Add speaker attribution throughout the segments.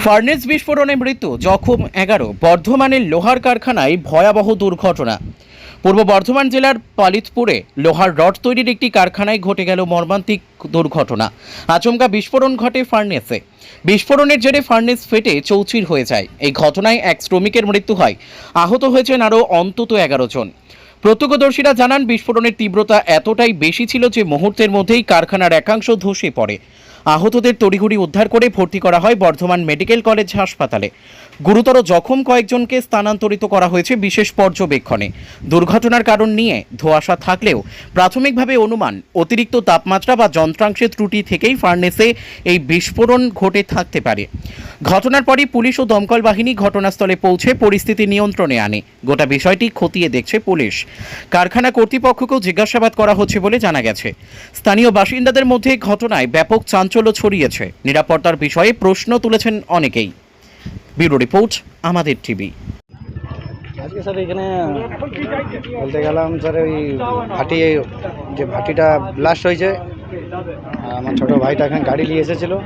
Speaker 1: Furnace বিস্ফোরণে মৃত্যু, জখম 11। বর্ধমানের লোহার কারখানায় ভয়াবহ দুর্ঘটনা। পূর্ব বর্ধমান জেলার পালিতপুরে লোহার রড তৈরির একটি কারখানায় ঘটে গেল মর্মান্তিক দুর্ঘটনা। আচমকা বিস্ফোরণ ঘটে ফার্নেসে। বিস্ফোরণের জেরে ফার্নেস ফেটে চৌচির হয়ে যায়। এই ঘটনায় এক শ্রমিকের মৃত্যু হয়, আহত হয়েছেন আরও অন্তত 11 জন। প্রত্যক্ষদর্শীরা জানান, বিস্ফোরণের তীব্রতা এতটাই বেশি ছিল যে মুহূর্তের মধ্যেই কারখানার একাংশ ধসে পড়ে। আহতদের তড়িঘড়ি উদ্ধার করে ভর্তি করা হয় বর্ধমান মেডিকেল কলেজ হাসপাতালে। গুরুতর জখম কয়েকজনকে স্থানান্তরিত করা হয়েছে বিশেষ পর্যবেক্ষণে। দুর্ঘটনার কারণ নিয়ে ধোঁয়াশা থাকলেও প্রাথমিকভাবে অনুমান অতিরিক্ত তাপমাত্রা বা যন্ত্রাংশের ত্রুটি থেকেই ফার্নেসে এই বিস্ফোরণ ঘটে থাকতে পারে। ঘটনার পরই পুলিশ ও দমকল বাহিনী ঘটনাস্থলে পৌঁছে পরিস্থিতি নিয়ন্ত্রণে আনে। গোটা বিষয়টি খতিয়ে দেখছে পুলিশ। কারখানা কর্তৃপক্ষকেও জিজ্ঞাসাবাদ করা হচ্ছে বলে জানা গেছে। স্থানীয় বাসিন্দাদের মধ্যে ঘটনায় ব্যাপক চাঞ্চল্য ছড়িয়েছে। নিরাপত্তার বিষয়ে প্রশ্ন তুলেছেন অনেকেই। ব্যুরো রিপোর্ট, আমাদের টিভি।
Speaker 2: আজকে স্যার এখানে বলতে গেলাম স্যার ওই ভাটি, যে ভাটিটা ব্লাস্ট হয়েছে, আমার ছোট ভাইটা এখানে গাড়ি নিয়ে এসেছিলো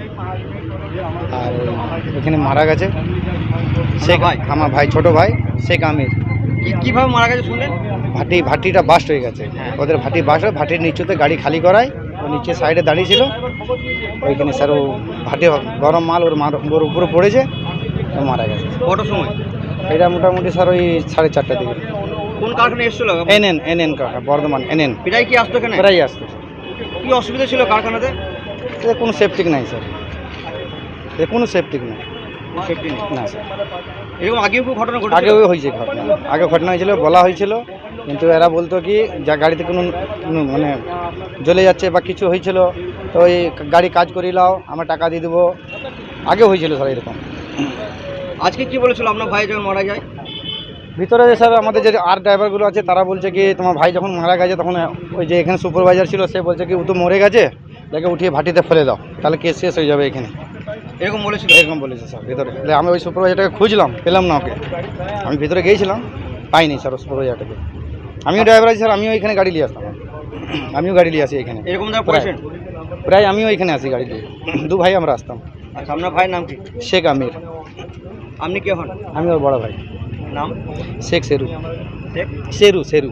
Speaker 2: আর এখানে মারা গেছে। সে আমার ভাই, ছোট ভাই শেখ আমির।
Speaker 3: কিভাবে মারা গেছে শুনলেন?
Speaker 2: ভাটিটা বাস্ট হয়ে গেছে। ওদের ভাটি বাস্ট হয়, ভাটির নিচুতে গাড়ি খালি করায়, ও নিচে সাইডে দাঁড়িয়ে ছিল। ওইখানে স্যার ও ভাটি গরম মাল ওর উপরে পড়েছে, ও মারা গেছে।
Speaker 3: কটার সময়?
Speaker 2: এটা মোটামুটি স্যার ওই 4:30টার দিকে।
Speaker 3: কোন কারখানায় এসেছিল?
Speaker 2: এনএন কারখানা, বর্ধমান এনএন।
Speaker 3: প্রায় কি আসতো এখানে?
Speaker 2: প্রায় আসতো।
Speaker 3: কি অসুবিধা ছিল কারখানাতে?
Speaker 2: কোনো সেফটিক নাই স্যার, কোনো সেফটিক নেই।
Speaker 3: সেফটি নেই
Speaker 2: না স্যার।
Speaker 3: এরকম আগেও কেউ ঘটনা ঘটেছে?
Speaker 2: আগেও হয়েছে ঘটনা, আগে ঘটনা হয়েছিল, বলা হয়েছিল, কিন্তু এরা বলতো কি যা গাড়িতে কোনো মানে জ্বলে যাচ্ছে বা কিছু হয়েছিল, তো ওই গাড়ি কাজ করিয়ে নাও, আমরা টাকা দিয়ে দেবো। আগে হয়েছিল স্যার এরকম।
Speaker 3: আজকে কি বলেছিল আপনার ভাই যখন মারা যায়?
Speaker 2: ভিতরে স্যার আমাদের যে আর ড্রাইভারগুলো আছে তারা বলছে কি তোমার ভাই যখন মারা গেছে তখন ওই যে এখানে সুপারভাইজার ছিল সে বলছে কি ও তো মরে গেছে, তাকে উঠিয়ে ভাটিতে ফেলে দাও, তাহলে কেস শেষ হয়ে যাবে এখানে।
Speaker 3: এরকম বলেছিল?
Speaker 2: এরকম বলেছে স্যার ভিতরে। আমি ওই সুপারভাইজারটাকে খুঁজলাম, পেলাম না ওকে। আমি ভিতরে গিয়েছিলাম, পাইনি স্যার ওই সুপারভাইজারটাকে। আমিও ড্রাইভার আছি স্যার, আমিও এখানে গাড়ি নিয়ে আসতাম, আমিও গাড়ি নিয়ে আসি এখানে।
Speaker 3: এরকম যারা পড়েছেন?
Speaker 2: প্রায় আমিও এখানে আসি গাড়ি নিয়ে, দু ভাই আমরা আসতাম।
Speaker 3: আচ্ছা, আপনার ভাইয়ের নাম কি?
Speaker 2: শেখ আমির।
Speaker 3: আপনি কে হন?
Speaker 2: আমি ওর বড় ভাই।
Speaker 3: नाम?
Speaker 2: शेख शेरू। शेरू।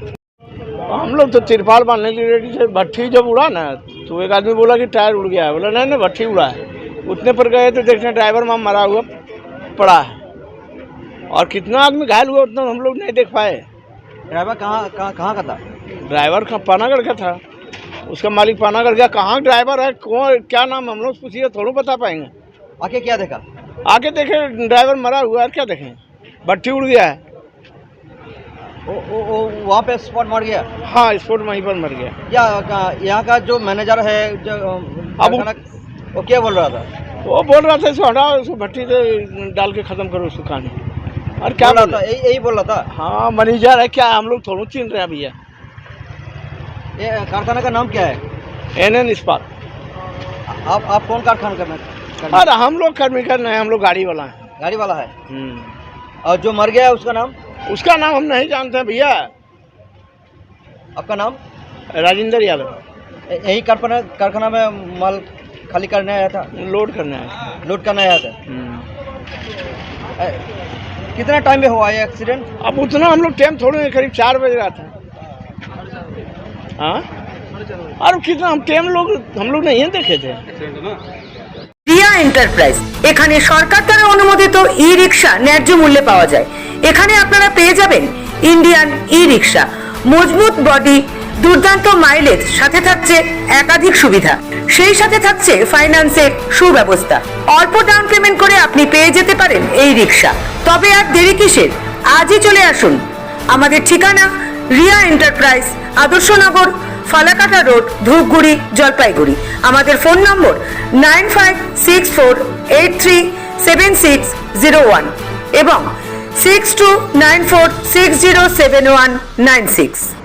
Speaker 4: हम लोग तो तिरपाल बांधने के लिए रेडी थे। भट्ठी जब उड़ा ना तो एक आदमी बोला कि टायर उड़ गया है। बोला नहीं नहीं, भट्ठी उड़ा है। उतने पर गए तो देखने ड्राइवर वहाँ मरा हुआ पड़ा है, और कितना आदमी घायल हुआ उतना हम लोग नहीं देख पाए।
Speaker 3: ड्राइवर कहाँ का था?
Speaker 4: ड्राइवर पानागढ़ का था, उसका मालिक पानागढ़ गया। कहाँ ड्राइवर है, कौन, क्या नाम, हम लोग पूछिए, थोड़ा बता पाएंगे।
Speaker 3: आके क्या देखा?
Speaker 4: आके देखे ड्राइवर मरा हुआ है, क्या देखें, भट्ठी उड़ गया है।
Speaker 3: वो वहाँ पे स्पॉट मर गया?
Speaker 4: हाँ, स्पॉट वहीं पर मर गया।
Speaker 3: या यहाँ का जो मैनेजर है, जो
Speaker 4: अब
Speaker 3: वो क्या बोल रहा था?
Speaker 4: वो बोल रहा था इसको हटाओ, उसको भट्टी से डाल के ख़त्म करो उसको कहानी। और क्या बोल रहा था?
Speaker 3: यही बोल रहा था?
Speaker 4: हाँ, मैनेजर है, क्या हम लोग थोड़ा चिन रहे हैं भैया।
Speaker 3: ये कारखाना का नाम क्या है?
Speaker 4: एनएन इस्पात।
Speaker 3: आप कौन कारखाना करना?
Speaker 4: अरे हम लोग कर्मी कर रहे हैं, हम लोग गाड़ी वाला है।
Speaker 3: गाड़ी वाला है। और जो मर गया है उसका नाम?
Speaker 4: उसका नाम हम नहीं जानते हैं भैया।
Speaker 3: आपका नाम?
Speaker 4: राजेंद्र यादव।
Speaker 3: यही कारखाना में माल खाली करने आया था?
Speaker 4: लोड करने आया।
Speaker 3: लोड करने आया था। कितना टाइम में हुआ ये एक्सीडेंट?
Speaker 4: अब उतना हम लोग टाइम थोड़े, करीब 4 बज रहा था। हाँ, और कितना हम लोग नहीं देखे थे।
Speaker 5: রিয়া এন্টারপ্রাইজ, এখানে সরকার দ্বারা অনুমোদিত ই রিক্সা ন্যায্য মূল্যে পাওয়া যায়। এখানে আপনারা পেয়ে যাবেন ইন্ডিয়ান ই রিক্সা, মজবুত বডি, দুর্দান্ত মাইলেজ, সাথে থাকছে একাধিক সুবিধা, সেই সাথে থাকছে ফাইন্যান্সের সুব্যবস্থা। অল্প ডাউন পেমেন্ট করে আপনি পেয়ে যেতে পারেন এই রিক্সা। তবে আর দেরি কিসের, আজই চলে আসুন। আমাদের ঠিকানা রিয়া এন্টারপ্রাইজ, আদর্শনগর, ফালাকাটা রোড, ধূপগুড়ি, জলপাইগুড়ি। আমাদের ফোন নম্বর 9564837601 এবং 6294607196।